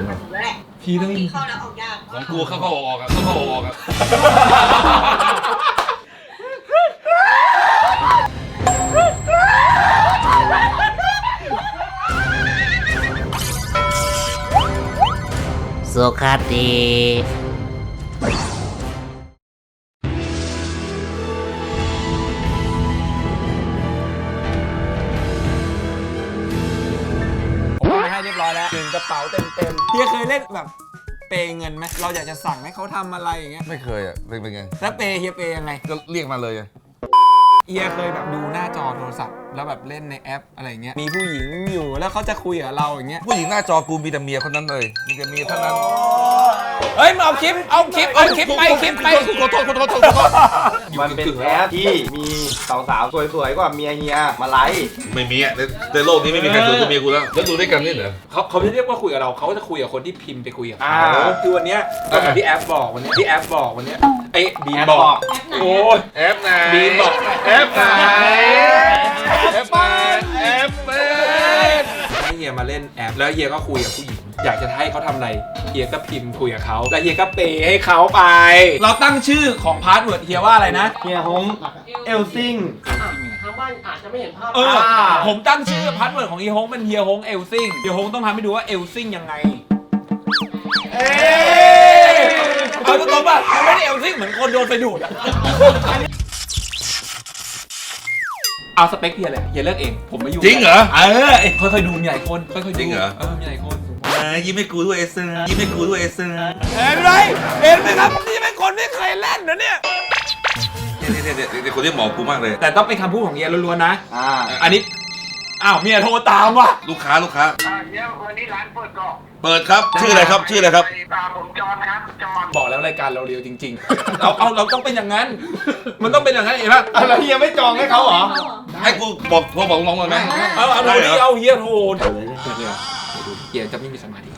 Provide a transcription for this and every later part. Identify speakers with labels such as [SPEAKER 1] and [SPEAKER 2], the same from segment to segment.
[SPEAKER 1] ถูกแล้วแหละ
[SPEAKER 2] พี่ต้อง
[SPEAKER 1] พี่เข้าแล้วออกยาก
[SPEAKER 3] ของกูเข้าออกอ่ะเข้าออกอ่ะ
[SPEAKER 4] สุขดี
[SPEAKER 2] ผมเอาไปให้เรียบร้อยแล้ว1กระเป๋าเต็มเฮียเคยเล่นแบบเปย์เงินไหมเราอยากจะสั่งให้เขาทำอะไรอย่างเงี้ย
[SPEAKER 3] ไม่เคยอ่ะเป็นไง
[SPEAKER 2] แล้วเปย์เฮียเปย์ยังไง
[SPEAKER 3] ก็เรียกมาเลย
[SPEAKER 2] เฮียเคยแบบดูหน้าจอโทรศัพท์แล้วแบบเล่นในแอปอะไรเงี้ยมีผู้หญิงอยู่แล้วเขาจะคุยกับเราอย่างเงี้ย
[SPEAKER 3] ผู้หญิงหน้าจอกูมีแต่เมียคนนั้นเลยมีแต่เมียเท่านั้น
[SPEAKER 2] เฮ้ยมาเอาคลิปไป
[SPEAKER 3] ขอโทษ
[SPEAKER 5] มันเป็นแอปที่มีสาวๆสวยๆกว่าเมียเฮียมาไลฟ์
[SPEAKER 3] ไม่มีอ่ะในโลกนี้ไม่มีใครสวยกว่าเมียกูแล้วแล้วดูด้วยกันนี่เหรอ
[SPEAKER 2] เขาไม่เรียกว่าคุยกับเราเขาจะคุยกับคนที่พิมพ์ไปคุยกับเขาคือวันเนี้ยก็เหมือนที่แอปบอกวันนี้ไอ้บีมบอก โอ้ย
[SPEAKER 3] แอปไหน
[SPEAKER 2] บีมบอก
[SPEAKER 3] แอปไหนแอป
[SPEAKER 2] ให้เฮียมาเล่นแอปแล้วเฮียก็คุยกับผู้หญิงอยากจะให้เขาทำอะไรเฮียก็พิมพ์คุยกับเขาแล้วเฮียก็เปย์ให้เขาไป เราตั้งชื่อของพาสเวิร์ดเฮียว่าอะไรนะ
[SPEAKER 5] เฮียฮงเอลซิง
[SPEAKER 1] ทางบ้านอาจจะไม่เห็นภาพ
[SPEAKER 2] ผมตั้งชื่อพาสเวิร์ดของเฮียฮงเป็นเฮียฮงเอลซิงเฮียฮงต้องทำให้ดูว่าเอลซิงยังไงเอาตรงๆป่ะมันไม่ได้เอลซิงเหมือนคนโดนไฟดูดอะเอาสเปคเฮียเลยเฮียเลือกเองผมไม่ยุ่ง
[SPEAKER 3] จริงเหรอ
[SPEAKER 2] ค่อยๆดูมีหลายคนค่อยๆดู
[SPEAKER 3] จริงเหรอ
[SPEAKER 2] มีหลายคน
[SPEAKER 3] ยิ้มให้กูด้วยเอเซอร์ยิ้มให้กูด้วยเอเซอร์
[SPEAKER 2] เห็นไหมครับนี่เป็นคนไม่เคยเล่นนะเนี่ย
[SPEAKER 3] เนี่ยคนที่หมอกูมากเลย
[SPEAKER 2] แต่ต้องเป็นคำพูดของเฮียล้วนๆนะ
[SPEAKER 5] อันนี้
[SPEAKER 2] อ้าวเมียโทรตามว่ะ
[SPEAKER 3] ลูกค้า
[SPEAKER 6] เดี๋ยววันนี้ร้านเปิดก่อน
[SPEAKER 3] เปิดครับชื่ออะไรครับ
[SPEAKER 6] ผมจอนครับจอน
[SPEAKER 2] บอกแล้วรายการเราเรียวจริงๆ เราต้องเป็นอย่างนั้น มันต้องเป็นอย่างนั้นเห็นปะ
[SPEAKER 5] แล้วเฮียไม่จองให้เขาเหรอ
[SPEAKER 3] ให้กูบอกโทรบอกน้องเลยไหม
[SPEAKER 2] เอาดูดิเอาเฮียโทรเฮียจะไม่มีสมาธิ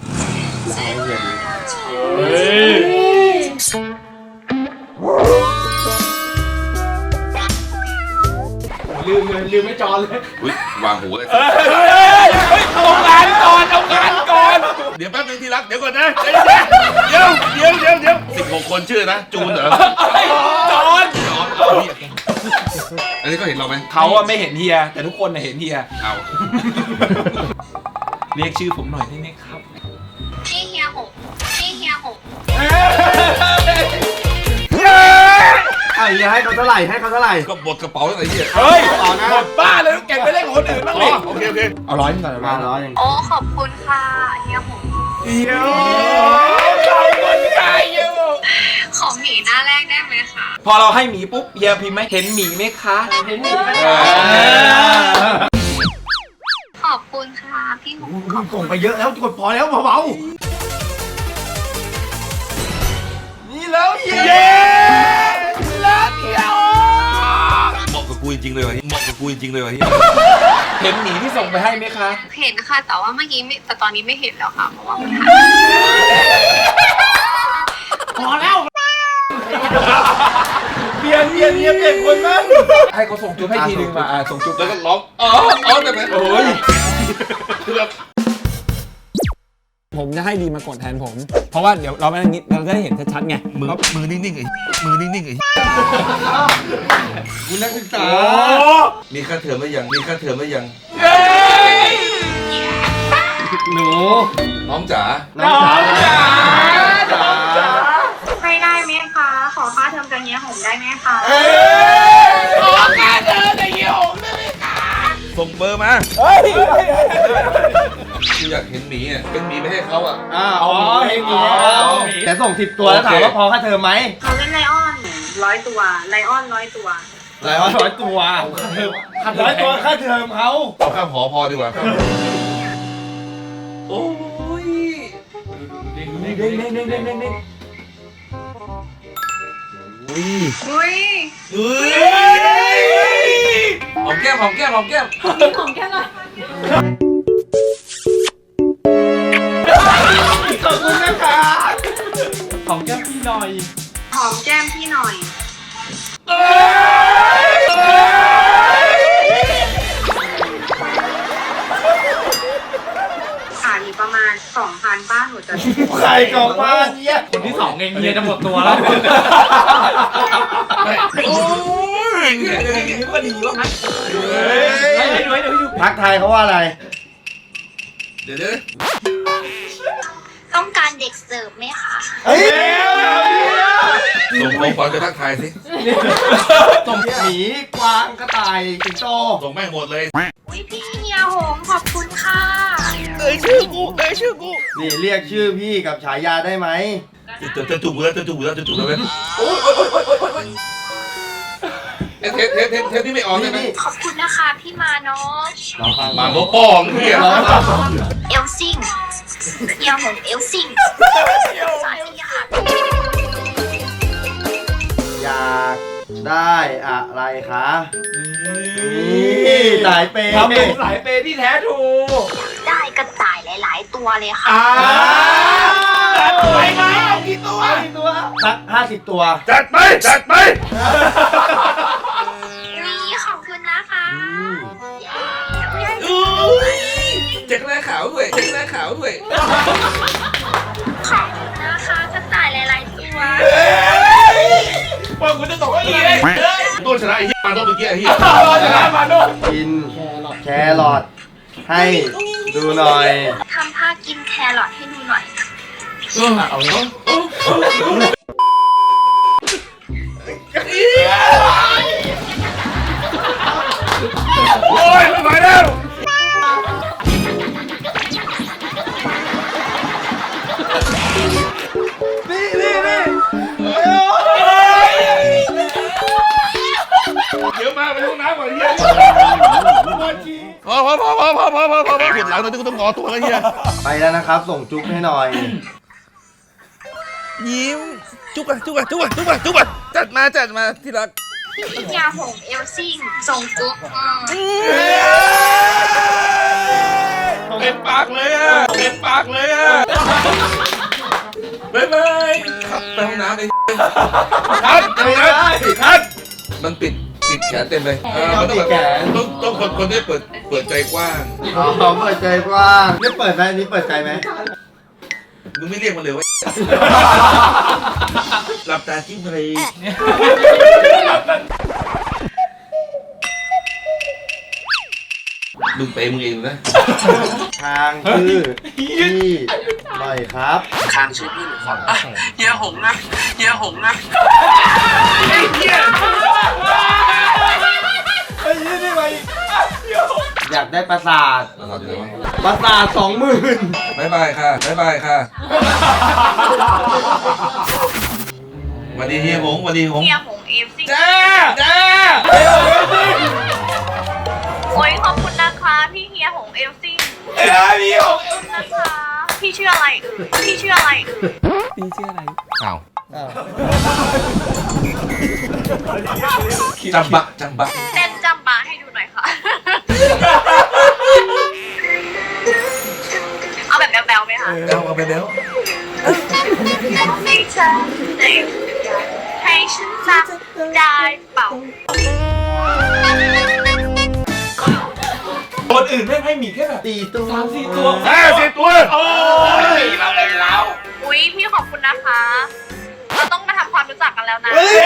[SPEAKER 2] ลืมไม่จอนเลย
[SPEAKER 3] อุ้ยวางหูเลย
[SPEAKER 2] เอางานก่อน
[SPEAKER 3] เดี๋ยวแป๊บนึงที่รักเดี๋ยวก่อนนะเดี๋ยว16 คนชื่อนะจูนเหรอ
[SPEAKER 2] จอน
[SPEAKER 3] อันนี้ก็เห็นเราไหม
[SPEAKER 2] เขาอะไม่เห็นเฮียแต่ทุกคนเห็นเฮีย
[SPEAKER 3] เอา
[SPEAKER 2] เรียกชื่อผมหน่อยได้ไหมครับ
[SPEAKER 1] พี่เฮียหง
[SPEAKER 5] เฮียให้เขาเท่าไหร่
[SPEAKER 3] ก็บดกระเป๋าตั้งแต่เหี้ย
[SPEAKER 2] เฮ้ยหมดบ้าเลยต้องเก่งไปเล่นกับคนอื่นบ้างดิ
[SPEAKER 3] โอเค
[SPEAKER 2] เอาร้อยนึงก่อน
[SPEAKER 5] มาร้อยยัง
[SPEAKER 1] โอ้ขอบคุณค่ะเฮียหง
[SPEAKER 2] เดี๋ยวขอบคุณใครอยู่
[SPEAKER 1] ขอหมีหน้าแรกได้ไหมคะ
[SPEAKER 2] พอเราให้หมีปุ๊บเฮียพิมพ์ไหมเห็นหมีไหมคะ
[SPEAKER 1] เห็นหมีไหม ขอบคุณค่ะพี่หง
[SPEAKER 5] ส่งไปเยอะแล้วกดพอแล้วเบา
[SPEAKER 2] นี่แล้วเฮียรักเฮีย
[SPEAKER 3] เหมาะกับกูจริงๆเลยวะเ
[SPEAKER 2] ห็นหมีที่ส่งไปให้ไหมคะ
[SPEAKER 1] เห็นค่ะแต่ว่าเมื่อกี้ไม่แต่ตอนนี้ไม่เห็นแล้วค่ะเพราะว่ามันหาย
[SPEAKER 5] พอแล้ว
[SPEAKER 2] เปลี่ยนคนมั้งให้เขาส่งจุ๊บให้ทีนึงมาส่งจุ๊บ
[SPEAKER 3] แล้วก็ร้องอ๋อแต่ไหมโอ้ย
[SPEAKER 2] ผมจะให้ดีมากดแทนผม เพราะว่าเดี๋ยวเราไม่งี้เราจะได้เห็นชัดๆไง
[SPEAKER 3] มือนิ่งๆไอ้
[SPEAKER 5] คุณนักศึกษา
[SPEAKER 3] มีค่าเทอมไม่ยัง
[SPEAKER 5] หนู
[SPEAKER 3] น้องจ๋า
[SPEAKER 5] น้องจ๋า
[SPEAKER 1] ไม่ได้ไหมคะ ขอค่าเทอมกับเฮียหงได้ไหมคะ
[SPEAKER 2] ขอการเดินในเยี่ยมได้ไหมคะ
[SPEAKER 3] ส่งเบอร์มากูอยากเห็นหมีอ่ะเป็นหมีไม่ให้เขาอ่ะ
[SPEAKER 5] อ๋อเฮงแต่ส่ง10 ตัวแล้วถามว่าพอค่าเทอมไหม
[SPEAKER 1] เขาเล่นไลออน100 ตัวไลออน100 ตัว
[SPEAKER 5] 100 ตัว100 ตัวค่าเทอมเขา
[SPEAKER 3] เอาข้ามหอพอดีกว่า
[SPEAKER 2] โอ้ยเด้ง
[SPEAKER 1] อุ้ย
[SPEAKER 2] หอมแก้ม
[SPEAKER 1] ของแค่หน่อย
[SPEAKER 5] ขอบคุณนะคะ
[SPEAKER 2] ของแก้มพี่หน่อย
[SPEAKER 1] หอมแก้มพี่หน่อยขามีประมาณ 2,000 านป้าหนูจะ
[SPEAKER 5] ใครกองบ้านเนี่ย
[SPEAKER 4] คนที่สองเองเฮียจะหมดตัวแล้ว
[SPEAKER 3] โอ้ย
[SPEAKER 2] ก็ดีวะ
[SPEAKER 4] ให้ดูให้ดู
[SPEAKER 5] ทักทายเขาว่าอะไร
[SPEAKER 3] เดี๋ยว
[SPEAKER 1] ต้องการเด็กเสิร์ฟไหมคะ
[SPEAKER 5] เฮ้ย
[SPEAKER 3] ส่งของขวัญไปทักทายสิ
[SPEAKER 5] ส่งหมีกวางกระต่ายสิงโต
[SPEAKER 3] ส่งแม่งหมดเลย
[SPEAKER 1] อุ้ยพี่เฮียหงขอบคุณค่ะ
[SPEAKER 3] เอ้ยชื่อกู
[SPEAKER 5] นี่เรียกชื่อพี่กับฉายาได้ไหม
[SPEAKER 3] จะถูกแล้วจะถูกแล้วจะถูกแล้วไหมเทปที่ไม่ออกใช่ไหม
[SPEAKER 1] ขอบคุณนะคะพี่มาเนาะ
[SPEAKER 5] ลองฟัง
[SPEAKER 3] หมาโมป้องเฮีย
[SPEAKER 1] เอลซิงเฮียหงเอลซิงสวัสดีค่ะ
[SPEAKER 5] อยากได้อะไรคะนี่สายเปย์
[SPEAKER 2] ทำเป็นสายเปย์ที่แท้ทรู
[SPEAKER 1] ได้กระต่ายหลาย ๆ ตัวเลยค่ะ
[SPEAKER 2] ไปไหมเอากี่ตัว
[SPEAKER 5] ตัวสัก50 ตัว
[SPEAKER 3] จัดไป
[SPEAKER 1] นี่ขอบคุณนะคะ
[SPEAKER 3] เจ๊กแรกขาวด้วยเจ๊กแรกขาวด้วย
[SPEAKER 1] ขอบคุณนะคะกระต่ายหลาย ๆ ตัว
[SPEAKER 2] ว่ากูจะตกอีกเลย
[SPEAKER 3] ต้นชนะไอ้เฮียมาต้นเมื่อกี้ไอ้เฮีย
[SPEAKER 2] ชนะมาโน่น
[SPEAKER 5] กินแครอทให้ดูหน่อย
[SPEAKER 1] ทำผ้ากินแครอทให้ดูหน่อย
[SPEAKER 2] เอาเนาะ
[SPEAKER 3] โอ้ยไม่ไหวแล้ว เดี๋ยวมาไปห้องน้ำก่อนเฮียพอปวดหลังตอนนี้กูต้องงอตัวแล้วเฮีย
[SPEAKER 5] ไปแล้วนะครับ ส่งจุ๊บให้หน่อย
[SPEAKER 3] ยิ้มจุกอะจัดมาที่รัก
[SPEAKER 1] พี่เฮียหงเอลซิงส่งจุ๊บ
[SPEAKER 3] เป็นปากเลยอ่ะบ๊ายบายขับไปห้องน้ำเลยคัดมันปิดแขนเต็มเลยมันต้องแบบต้องคนที่เปิดใจกว้าง
[SPEAKER 5] อ๋อเปิดใจกว้างนี่เปิดไหมนี่เปิดใจไหม
[SPEAKER 3] มึงไม่เรียกมันเลยว่าหลับตาจิ้มเลยมึงเปย์มึงเองนะ
[SPEAKER 5] ทางชื่อพี่หน่อยครับ
[SPEAKER 6] ข้างชื่อพี่หนูขอเฮียหงนะ
[SPEAKER 5] อยากได้ประสาทประสาท 20,000
[SPEAKER 3] บ๊ายบายค่ะวันดีเฮียหงวันดีหง
[SPEAKER 1] เฮียหงเอลซิง
[SPEAKER 3] จ้า
[SPEAKER 1] โอ้ยขอบคุณนะคะพี่เฮียหงเอลซิง
[SPEAKER 2] พี่หก
[SPEAKER 1] นะคะพี่ชื่ออะไรพี่ชื่ออะไร
[SPEAKER 3] อ้าวจำบะ
[SPEAKER 1] เต้นจำบาให้ดูหน่อยค่ะ เอาแบบแบวๆไหมคะ
[SPEAKER 3] เอาไปแล้ว
[SPEAKER 1] ให้เธอได้ให้ฉันจำได้เปล่า
[SPEAKER 2] คนอื่นไม่ให้มีแค่แบบ
[SPEAKER 5] 4 ตัว
[SPEAKER 2] 3-4 ตัว
[SPEAKER 3] 50 ตัว
[SPEAKER 2] โอ้ยเราเป็นเรา
[SPEAKER 1] อุ้ยพี่ขอบคุณนะคะ เราต้องมาทำความรู้จักกันแล้วนะ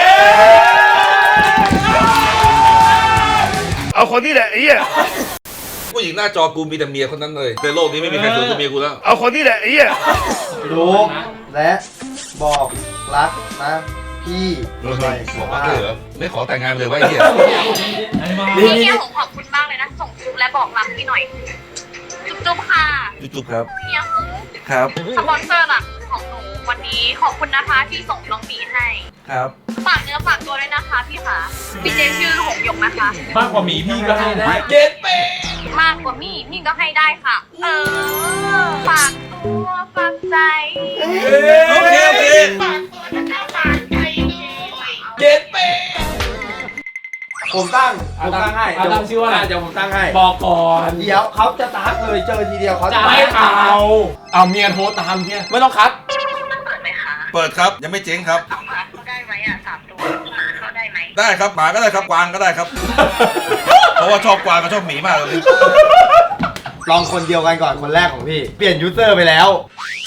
[SPEAKER 3] เอาคนนี้แหละไอ้เหี้ยผู้หญิงหน้าจอกูมีแต่เมียคนนั้นเลยในโลกนี้ไม่มีใครสวยกว่าเมียกูแล้วเอาคนนี้แหละไอ้เหี้ย
[SPEAKER 5] รู้และบอกรักนะพี่หน่อย
[SPEAKER 3] บอกว่าเหรอไม่ขอแต่งงานเลยว่าไอ้เหี้ย
[SPEAKER 1] พี่เฮียหงขอบคุณมากเลยนะ ส่งจุ๊บและบอกรักพี่หน่อย จุ๊บๆค่ะ
[SPEAKER 3] จุ๊บครับ
[SPEAKER 1] เฮียหง
[SPEAKER 3] ครับ
[SPEAKER 1] สปอนเซอร์หลักของหนูวันนี้ขอบคุณนะคะที่ส่งน้องหมีให้
[SPEAKER 3] ครับ
[SPEAKER 1] ฝากเนื้อฝากตัวด้วยนะคะพี่ค่ะพี่เจชื่อหงหยกนะคะ
[SPEAKER 4] มากกว่าหมีพี่ก็ให้ได้
[SPEAKER 2] เก็ตเป้
[SPEAKER 1] มากกว่ามี่พี่ก็ให้ได้ค่ะ ฝากตัวฝากใจ
[SPEAKER 3] โอเค
[SPEAKER 1] ฝากตัวนะคะฝากใจด้วย
[SPEAKER 2] เก็ตเป้
[SPEAKER 5] ผมตั้งให้
[SPEAKER 4] ตั้งชื่อว่าอะไร
[SPEAKER 5] เดี๋ยวผมตั้งให้
[SPEAKER 4] บอกก่อน
[SPEAKER 5] เดี๋ยวเขาจะทักเลยเจอทีเดียวเขาจะ
[SPEAKER 4] ไม่เอา
[SPEAKER 2] เอาเมียโทรตามเนี่ยไม่ต้องคัด
[SPEAKER 1] มันเปิดไหมคะ
[SPEAKER 3] เปิดครับยังไม่เจ๊งครับ
[SPEAKER 1] เอาหมาเข้าได้ไหมอ่ะ3 ตัวหมาเข้าได้ไหม
[SPEAKER 3] ได้ครับหมาก็ได้ครับกวางก็ได้ครับ เพราะว่าชอบกวางกับชอบหมีมากเลย
[SPEAKER 5] ลองคนเดียวกันก่อนคนแรกของพี่ เปลี่ยนยูเซอร์ไปแล้ว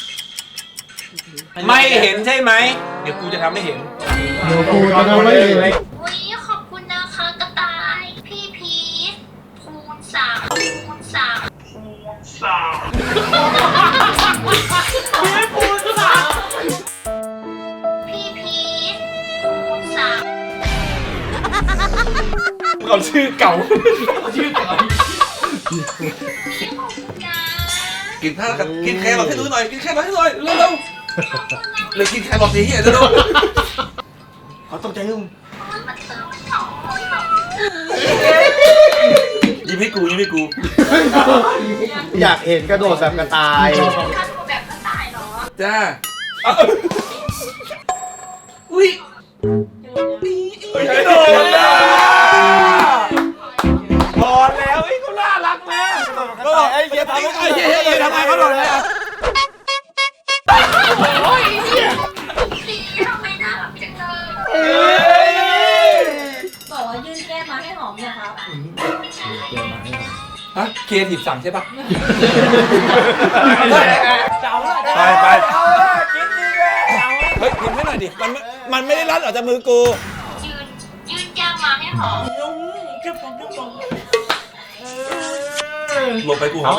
[SPEAKER 2] ไม่เห็นใช่ไหมเดี๋ยวกูจะทำให้เห็น
[SPEAKER 7] กูจะทำไม่เห็น
[SPEAKER 1] อุ๊ยขอบคุณนะคะกระต่าย พี่พีชคูณสามคูณสามพี่พีชคูณสาม
[SPEAKER 2] เอาชื่อเก่า
[SPEAKER 3] กินข้าวกันกินแครอทให้ดูหน่อยกินแครอทให้หน่อยเร็วๆเลยกินแครอทดิเฮียเร็ว
[SPEAKER 5] เขาตกใจลุง
[SPEAKER 1] มันเติมสอง
[SPEAKER 3] ๆยิ้มให้กูยิ้มให้กู
[SPEAKER 5] อยากเห็นกระโดดแบบกระต่าย
[SPEAKER 1] ถ้าตัวแบบกระต่ายเหรอ
[SPEAKER 3] จ้าอุ้ย
[SPEAKER 2] กระโดดอ่ะพอแล้วไอ้กูน่ารักแม่
[SPEAKER 5] ไอ้เหี้ยทำ
[SPEAKER 2] ไอ้เหี้ยทำไมเขาโดดเลยอ่ะ
[SPEAKER 1] สีทำไมน่ารักจังเลย
[SPEAKER 8] บอกว่ายื่นแก้มมาให้หอมเนี่ยครับ
[SPEAKER 2] ฮะเคลียร์ทีบสั่งใช่ปะ
[SPEAKER 3] ไปไป
[SPEAKER 2] เฮ้ยพิมพ์ให้หน่อยดิมันไม่ได้รัดออกจากมือกู
[SPEAKER 1] ยื่นแก้มมาให้หอม
[SPEAKER 3] หลบไปกูหอม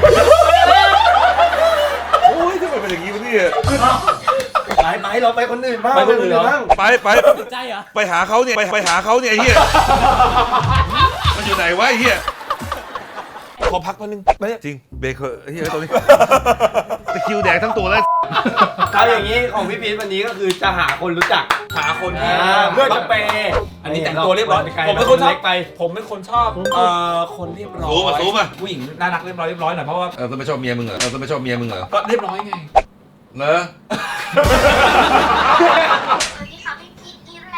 [SPEAKER 3] โอ้ยทำไมเป็นอย่างนี้วะเนี่ย
[SPEAKER 5] ไปเราไปคนอื่นบ้างไปคนอื่นบ้าง
[SPEAKER 3] ไปไปหาเขาเนี่ยไปหาเขาเนี่ยไอ้เฮียมันอยู่ไหนวะไอ้เฮีย
[SPEAKER 2] ขอพักแป๊บนึง
[SPEAKER 3] จริงเบเกอร์ไอ้เฮียตัวนี้ตะคริวแดงทั้งตัวแล้ว
[SPEAKER 5] เอาอย่างนี้ของพี่พีชวันนี้ก็คือจะหาคนรู้จัก
[SPEAKER 2] หาคนที่
[SPEAKER 5] เพื่อจะเปย์
[SPEAKER 2] อันนี้แต่งตัวเรียบร้อยผมเป็นคนชอบผมเป็นคนชอบคนเรียบร้อย
[SPEAKER 3] ซูมอ่ะ
[SPEAKER 2] ผู้หญิงน่ารักเรียบร้อยหน่อยเพราะว่า
[SPEAKER 3] จะไม่ชอบเมียมึงเหรอจะไม่ชอบเมียมึงเหรอ
[SPEAKER 2] ก็เรียบร้อยไง
[SPEAKER 3] เนอะ
[SPEAKER 1] สวัสดีค่ะพี่พีชอีแล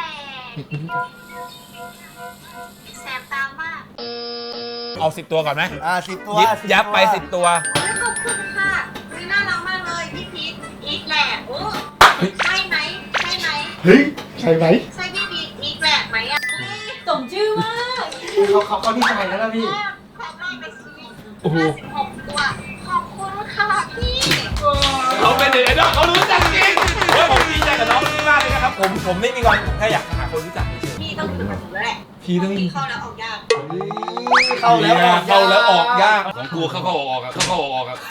[SPEAKER 1] แสบตามาก
[SPEAKER 2] เอา10 ตัวก่อนไหม
[SPEAKER 5] 10 ตัว
[SPEAKER 2] ยับไป10 ตัว
[SPEAKER 1] ขอบคุณค่ะน่ารักมากเลยพี่พีชอีแลโอ้ใช่ไหมใช่ไหม
[SPEAKER 7] เฮ้ยใช่ไหม
[SPEAKER 1] ใช่พี่พีชอีแลไหมอ่ะ
[SPEAKER 8] สมชื่อมาก
[SPEAKER 5] เขาดีใจแล้วนะพี่
[SPEAKER 1] ขอบคุณไปซื้อ56 ตัวขอบคุณค่ะพี่
[SPEAKER 2] เขาเป็นเด็กน้องเขารู้จักจริงเฮ้ยผมดีใจกับน้องมากเลยนะครับผมไม่มีวันแค่อยากหาคนรู้จักเฉย
[SPEAKER 1] พี่ต้องอยู่กับหนูแล้วแหละ
[SPEAKER 2] พี่ต้อง
[SPEAKER 1] พี่เข้าแล้วออกยาก
[SPEAKER 5] เข้าแล้วออกยาก
[SPEAKER 3] ของกูเข้าออกอ่ะเข้าออกอ่ะ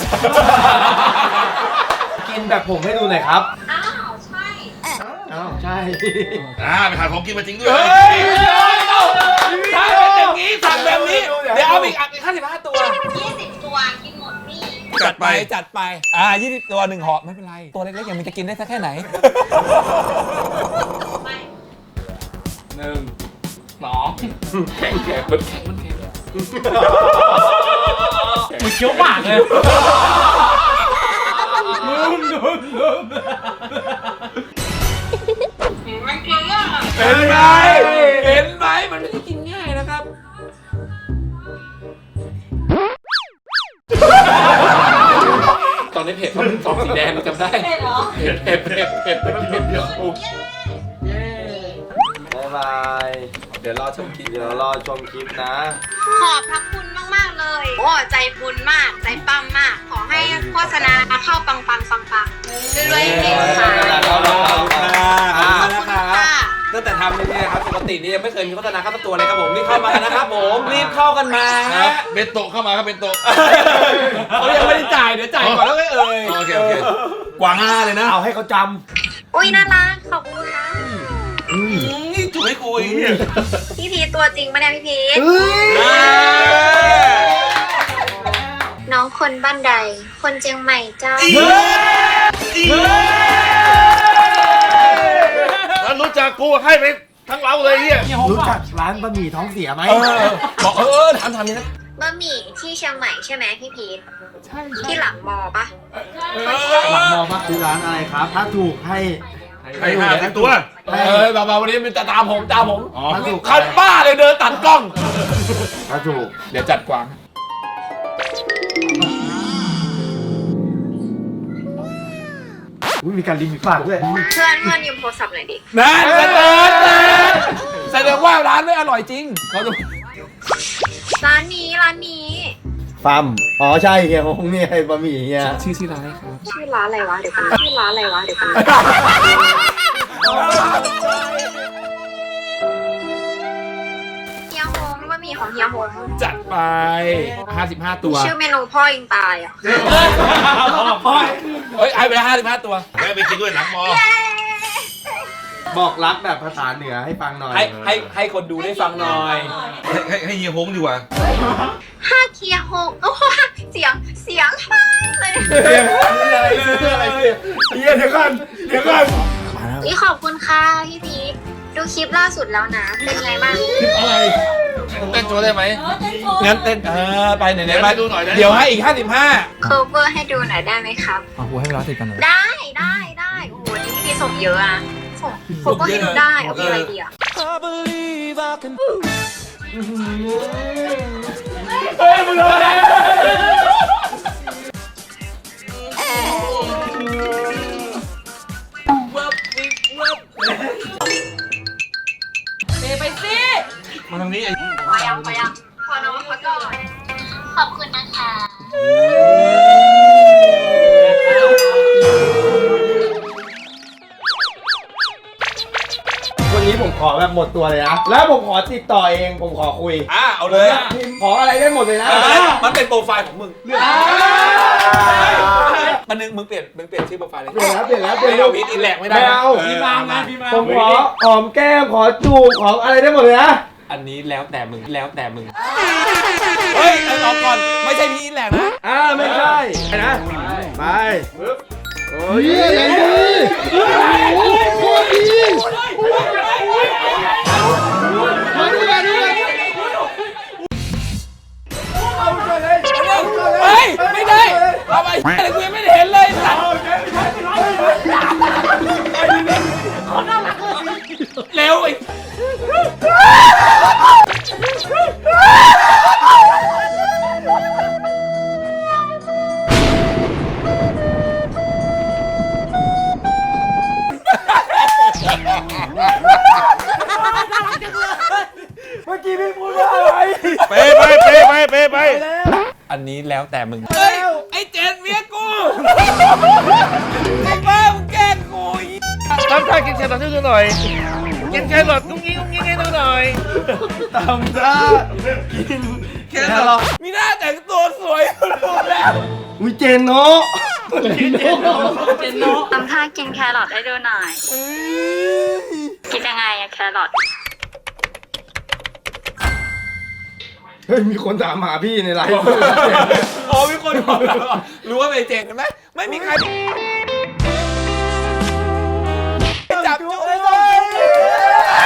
[SPEAKER 5] กินแบบผมให้ดูหน่อยครับ
[SPEAKER 1] อ้าวใช่
[SPEAKER 5] อ้าวใช่
[SPEAKER 3] ไปหาของกินมาจริงด้วย
[SPEAKER 2] เฮ้ยถ้าเป็นอย่างนี้สั่งแบบนี้เดี๋ยวเอาอีก55 ตัว
[SPEAKER 1] 20 ตัวกินหมดนี่
[SPEAKER 3] จัดไป
[SPEAKER 2] จัดไป20 ตัว1ห่อไม่เป็นไรตัวเล็กๆอย่างมันจะกินได้สักแค่ไหน
[SPEAKER 1] ไม่
[SPEAKER 2] 1 2แข็งมันแข็งมัน
[SPEAKER 4] เคี้ยวปากเลย
[SPEAKER 1] มันเกลือ
[SPEAKER 2] เห็นไหมเห็นไหมมันไม่ได้กินง่ายนะครับตอนนี้เผ็ดเพราะมันซองสีแดงมันจำได้
[SPEAKER 8] เผ็ดเหรอ
[SPEAKER 2] เผ็ดเดี๋ยว
[SPEAKER 5] บ๊ายบาย
[SPEAKER 2] เดี๋ยวรอชมคลิป
[SPEAKER 5] เดี๋ยวรอชมคลิปนะ
[SPEAKER 1] ขอบพระคุณมากๆเลย โอ้ใจบุญมาก ใจปั้มมาก ขอให้โฆษณาเข้าปังๆรวยๆเก่งค่ะ
[SPEAKER 2] ขอบคุณนะค
[SPEAKER 1] ข
[SPEAKER 2] รั
[SPEAKER 1] อบคุณค่ะ
[SPEAKER 2] ตั้งแต่ทำนี่นะครับปกตินี่ยังไม่เคยมีโฆษณาเข้าตัวเลยครับผมรีบเข้ามากันนะครับผมรีบเข้ากันมา
[SPEAKER 3] ครับเบนโตะเข้ามาครับเบนโตะ
[SPEAKER 2] เขายังไม่ได้จ่ายเดี๋ยวจ่ายก่อนแล้วก็เอ่ย
[SPEAKER 3] โอเค
[SPEAKER 2] กว่า5เลยนะ
[SPEAKER 5] เอาให้เขาจ
[SPEAKER 1] อุ้ยน่ารัก ขอบคุณค่ะ
[SPEAKER 3] นี่ถูกให้กูไอ้เหี้ย
[SPEAKER 1] พี่พีชตัวจริงปะเนี่ยพี่พีชน้องคนบ้านใด คนเชียงใหม่เจ้า
[SPEAKER 3] ถ้ารู้จักกูให้ไปทั้งเราเลยเฮีย
[SPEAKER 5] ำรู้จักร้านบะหมี่ท้องเสียไหม
[SPEAKER 2] บอกทำนี่นะ
[SPEAKER 1] บะหมี่ที่เชียงใหม่ใช่ไหมพี่พีชที่หลังมอปะ
[SPEAKER 5] หลังมองว่าคือร้านอะไรครับ ถ้าถูกให้
[SPEAKER 3] ให้50 ตัว
[SPEAKER 2] เบาๆวันนี้มันจะตามผม
[SPEAKER 3] อ๋อ
[SPEAKER 5] ถ้าถูก
[SPEAKER 2] คันบ้าเลยเดินตัดกล้อง
[SPEAKER 5] ถ้าถูก
[SPEAKER 2] เดี๋ยวจัดกวาง
[SPEAKER 5] มีการลิมิตปากด้วย
[SPEAKER 1] เพื่อนยืมโทรศัพท์หน่อยดิ
[SPEAKER 2] นั่นแสดงว่าร้านไม่อร่อยจริงเขาจะ
[SPEAKER 1] ร้านนี้
[SPEAKER 5] ฟัมอ๋อใช่เฮียฮงเนี่ยบะหมี่เฮีย
[SPEAKER 2] ชื่อร้านครับ
[SPEAKER 1] ชื่อร้านอะไรวะเดี๋ยวกันชื่อร้านอะไรวะเดี๋ยวกันเฮียฮงว่ามีของเฮียฮง
[SPEAKER 2] จัดไป55 ตัว
[SPEAKER 1] ชื่อเมนูพ่อยิงตายอ่ะ
[SPEAKER 2] เฮ้ยไอ้ไปแล้ว55 ตัว
[SPEAKER 3] แม่ไปกินด้วยหลังมอ
[SPEAKER 5] บอกรักแบบภาษาเหนือให้ฟังหน่อย
[SPEAKER 2] ให้คนดูได้ฟังหน่อย
[SPEAKER 3] ให้เฮียฮงดีกว่า
[SPEAKER 1] ห้าเฮียฮงโอ้โหเสียงเลย
[SPEAKER 2] เดี๋ยวก่อน
[SPEAKER 1] นี่ขอบคุณค่ะพี่พีคดูคลิปล่าสุดแล้วนะ เป็นไงบ้าง
[SPEAKER 3] เต้นโชว์ได้ไหม
[SPEAKER 2] งั้นเต้นไปไหนๆไป
[SPEAKER 3] ดูหน่อยนะ
[SPEAKER 2] เดี๋ยวให้อีก 55
[SPEAKER 1] โคเวอร์ให้ดูหน่อยได้ไหมครับ
[SPEAKER 2] เอากูให้เวลา10 กันหน่อย
[SPEAKER 1] ได้โอ้โหนี่พี่ส่งเยอะอะส่งโคเวอร์ให้ดูได้เอาเป็นอะไรดีอะ
[SPEAKER 2] เฮ้ยมึงอะไร
[SPEAKER 8] ไปสิ
[SPEAKER 3] มาทางนี้ไอ้
[SPEAKER 1] พอยังพอน้องเขาก่อนขอบคุณนะคะ
[SPEAKER 5] วันนี้ผมขอแบบหมดตัวเลยนะ แล้วผมขอติดต่อเอง ผมขอคุย
[SPEAKER 2] เอาเลย
[SPEAKER 5] พิมพ์ขออะไรได้หมดเลยนะ
[SPEAKER 2] มันเป็นโปรไฟล์ของมึงมันนึงมึงเปลี่ยนชื่อโปรไฟล์เลย
[SPEAKER 5] เปลี่ยนแล้ว
[SPEAKER 2] ไม่เอาพีทอินแหลกไม่ได้
[SPEAKER 5] ไม่เอา
[SPEAKER 4] พี่มาไงพี่มา
[SPEAKER 5] ผมขอหอมแก้ม ขอจูบ ขออะไรได้หมดเลยนะ
[SPEAKER 2] อันนี้แล้วแต่มึงเฮ้ยเอาก่อนไม่ใช่พีทอินแหลกนะ
[SPEAKER 5] ไม่ใช่นะ ไป
[SPEAKER 7] เฮียอย่างดีโคตรดีมาดูกัน
[SPEAKER 2] เฮ้ยไม่ได้เอาไปอะไรกูยังไม่ได้เห็นเลยสัตว์เร็วไอ้เมื่อกี้พี่พูดว่าอะไร
[SPEAKER 3] ไป
[SPEAKER 2] อันนี้แล้วแต่มึงเฮ้ยไอ้เจนเมียกูไอ้บ้ามึงแกล้งกู
[SPEAKER 3] ทำท่ากินแครอทให้ดูหน่อย กินแครอทกุ้งงิ้งให้ดูหน่อย
[SPEAKER 5] ตำท่ากินแครอท
[SPEAKER 2] มีหน้าแต่งตัวสวยดูแล้ว
[SPEAKER 5] วิเจนโนะ
[SPEAKER 1] ทำท่ากินแครอทให้ดูหน่อยกินยังไงอะแครอท
[SPEAKER 5] เฮ้ย มีคนถามหาพี่ในไลฟ์
[SPEAKER 2] อ๋อมีคนบอกแล้วรู้ว่าเป็นเจนกันไหมไม่มีใครจับจุ๊เลย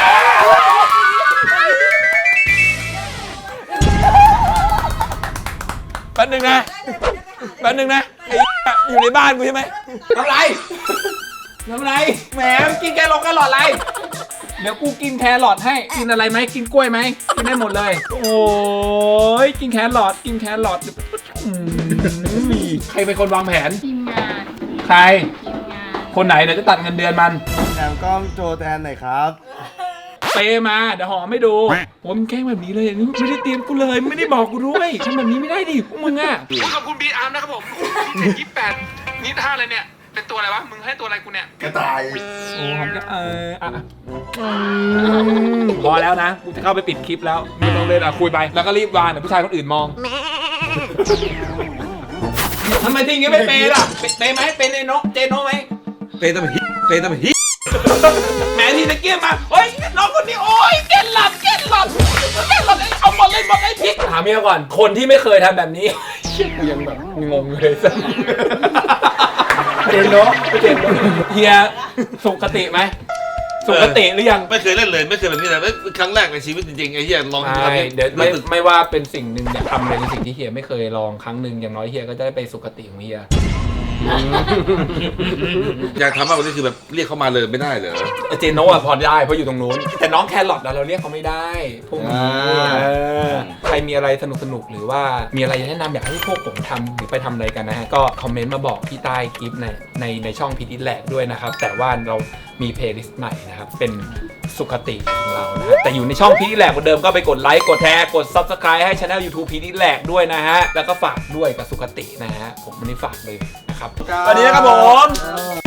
[SPEAKER 2] แป๊บนึงนะไอ้อยู่ในบ้านกูใช่ไหมทำไรแหมกินแครอทอะไรเดี๋ยวกูกินแครอทให้กินอะไรไหมกินกล้วยไหมกินได้หมดเลยโอ้ยกินแครอทใครเป็นคนวางแผน
[SPEAKER 8] ทีมงาน
[SPEAKER 2] ใคร คนไหนเดี๋ยวจะตัดเงินเดือนมัน
[SPEAKER 5] แถมกล้องโจแทนหน่อยครับ
[SPEAKER 2] เปมาเดี๋ยวหอมไม่ดูผมแกล้งแบบนี้เลยนี่ไม่ได้เตรียมกูเลยไม่ได้บอกกูด้วยทำแบบนี้ไม่ได้ดิพวกมึงอ่ะ
[SPEAKER 6] ขอบคุณบีอาร์มนะครับผม28นี่ท่าอะไรเนี่ย เป็นตัวอะไรวะ มึงให้ตัวอะไรกูเนี่ย
[SPEAKER 5] กระต่าย
[SPEAKER 2] โอ้หอมก็พอแล้วนะกูจะเข้าไปปิดคลิปแล้วไม่ต้องเล่นคุยไปแล้วก็รีบวางเดี๋ยวผู้ชายคนอื่นมองทำไมทีงี้ไม่เปย์ล่ะเปย์ไหมเปย์เจโนไหม
[SPEAKER 3] เปย์ตะบิฮิ
[SPEAKER 2] แหมทีตะเกียบมาเฮ้ยน้องคนนี้โอ้ยเก่นหลับเอาหมดเลยพริกถามเมียก่อนคนที่ไม่เคยทำแบบนี้กูยังแบบงงเลยสัสเจนโนเฮียสุขติไหมสุขติหรือยัง
[SPEAKER 3] ไม่เคยเล่นเลยไม่เคยแบบนี้เลยครั้งแรกในชีวิตจริงๆไอ้เหี้ยลองทำ
[SPEAKER 2] เดี๋ยวไม่ว่าเป็นสิ่งหนึ่งเนี่ยทำในสิ่งที่เฮียไม่เคยลองครั้งหนึ่งอย่างน้อยเฮียก็จะได้ไปสุขติของเฮีย
[SPEAKER 3] อยากทำมากกว่านี้คือแบบเรียกเข้ามาเลยไม่ได้เหรอ
[SPEAKER 2] เจโน่อะพอได้เพราะอยู่ตรงนู้นแต่น้องแครอทเราเรียกเขาไม่ได้พวกนี้ใครมีอะไรสนุกหรือว่ามีอะไรแนะนำอยากให้พวกผมทำหรือไปทำอะไรกันนะฮะก็คอมเมนต์มาบอกที่ใต้คลิปในในช่องพีทอิทแลกด้วยนะครับแต่ว่าเรามีเพลย์ลิสต์ใหม่นะครับเป็นสุขติของเรานะฮะแต่อยู่ในช่องพีทอิทแลกเหมือนเดิมก็ไปกดไลค์กดแชร์กด Subscribe ให้ Channel YouTube พีทอิทแลกด้วยนะฮะแล้วก็ฝากด้วยกับสุขตินะฮะผมวันนี้ฝากเลยนะครับสวัสดีนะครับผม